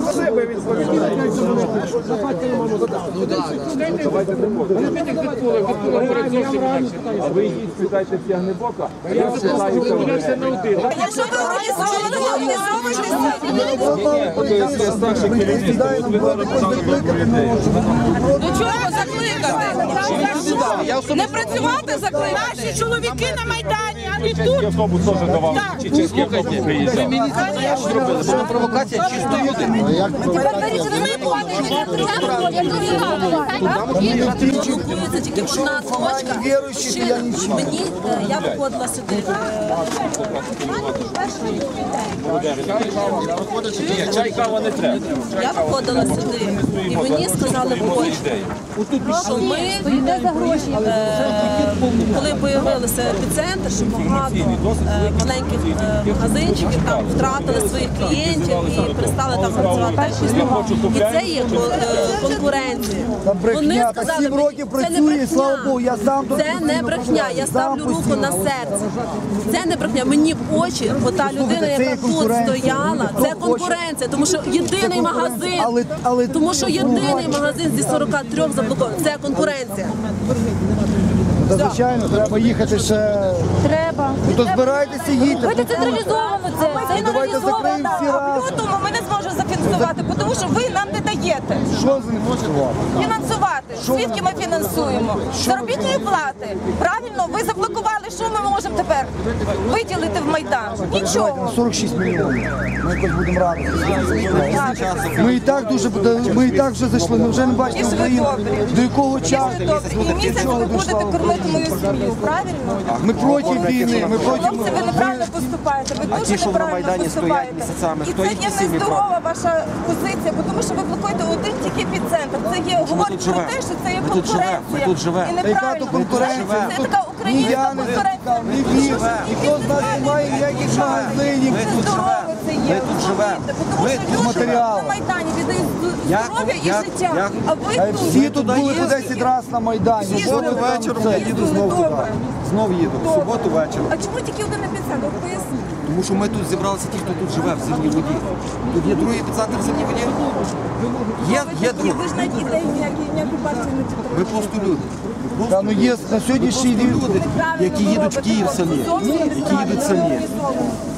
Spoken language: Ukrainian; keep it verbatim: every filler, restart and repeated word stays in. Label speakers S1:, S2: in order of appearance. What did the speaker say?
S1: А ви йдіть, спитайте з Ягнебока, а я спитаюся на один.
S2: Якщо ви організовуєте,
S1: Це старший керівник, ви зараз казали про людей.
S2: до чого закликати? Не працювати закликати? Наші чоловіки на Майдані, а не тут.
S1: Чеський автобус теж давав, чи чеський автобус приїжджав.
S3: Була провокація чисто людини.
S2: Це тільки одна точка. Мені, я виходила сюди.
S1: Чай, кава не треба.
S2: Я виходила сюди, і мені сказали в очі, що ми, е, коли появилися епіцентр, що багато е, маленьких е, магазинчиків там втратили своїх клієнтів і перестали там працювати так пізно. І це є е, конкуренція. Вони сказали,
S4: сім років
S2: це не
S4: працює, слава
S2: брехня,
S4: Богу, я сам тут
S2: це не
S4: постійно
S2: брехня,
S4: працюю,
S2: я
S4: сам
S2: ставлю руку
S4: постійно
S2: на
S4: працюю.
S2: серце. Це не брехня, мені в очі, бо та людина,
S4: це є
S2: яка тут
S4: конкуренція.
S2: стояла,
S4: Хто
S2: це
S4: хоче?
S2: конкуренція, тому що єдиний магазин,
S4: Але- але-
S2: тому що єдиний магазин зі сорока трьох заблокований, це конкуренція.
S4: Та, звичайно, треба їхати ще.
S5: Треба.
S4: Ну, то збирайтеся, їдьте.
S5: Ви децентралізовано це. Це
S4: Давайте закриємо всі
S6: А
S4: раз.
S6: в лютому ми не зможемо зафінансувати, тому що ви нам не даєте
S4: Що з ним працювати?
S6: фінансувати. Звідки ми фінансуємо? Заробітні плати. Правильно, ви заблокували, що ми можемо тепер виділити в Майдан? Нічого.
S4: сорок шість мільйонів. Ми якось будемо радити. Ми і так дуже ми і так вже зайшли. Ми вже не бачимо
S6: Якщо ви
S4: Україну.
S6: добрі.
S4: До якого
S6: Якщо
S4: часу?
S6: ви добрі, і місяць ви будете кормити мою сім'ю, правильно?
S4: Ми проти війни. Ми проти.
S6: Хлопці, ви неправильно поступаєте, ви дуже
S3: ті, що на
S6: неправильно
S3: Майдані стоять
S6: поступаєте.
S3: місяцями,
S6: І
S3: хто
S6: це
S3: їхні
S6: є
S3: сім'ї
S6: нездорова ваша позиція, бо тому що ви блокуєте один тільки епіцентр. Це є говорить про
S3: живемо.
S6: те, що це є
S3: Ми тут живемо.
S6: конкуренція.
S3: Ми тут живемо.
S6: І
S4: Та яка
S6: неправильно.
S4: то конкуренція?
S6: Це така
S4: Ні
S6: українська
S4: я не
S6: конкуренція.
S4: ні він, ніхто з нас не має ніяких магазинів.
S3: Ми тут живемо.
S6: Це є.
S3: Ми тут живемо.
S6: Тому
S3: Ми
S6: що
S3: тут
S6: люди
S4: матеріали.
S6: на Майдані віддають
S3: Як-
S6: здоров'я і
S3: як-
S6: життя.
S3: як-
S6: А ви
S4: А
S6: тут.
S4: всі тут були по десять разів на Майдані.
S6: Всі
S4: Що
S6: були
S4: ви там
S3: вечором
S4: це?
S3: я їду знову туди.
S6: Добре.
S3: Знов їду. В суботу вечором.
S6: А чому тільки один епіцентр? Поясніть.
S3: Тому що ми тут зібралися ті, хто тут живе в зимній воді. Тут є другий епіцентр в зимній воді. Є, є
S6: Ви
S3: другий.
S6: ж навіть ідеї ніякі, ніяку партію не підтримуєте.
S3: Ми просто люди. Ми
S4: Та ну є на сьогоднішній день.
S3: люди, які їдуть в Київ самі, які їдуть самі.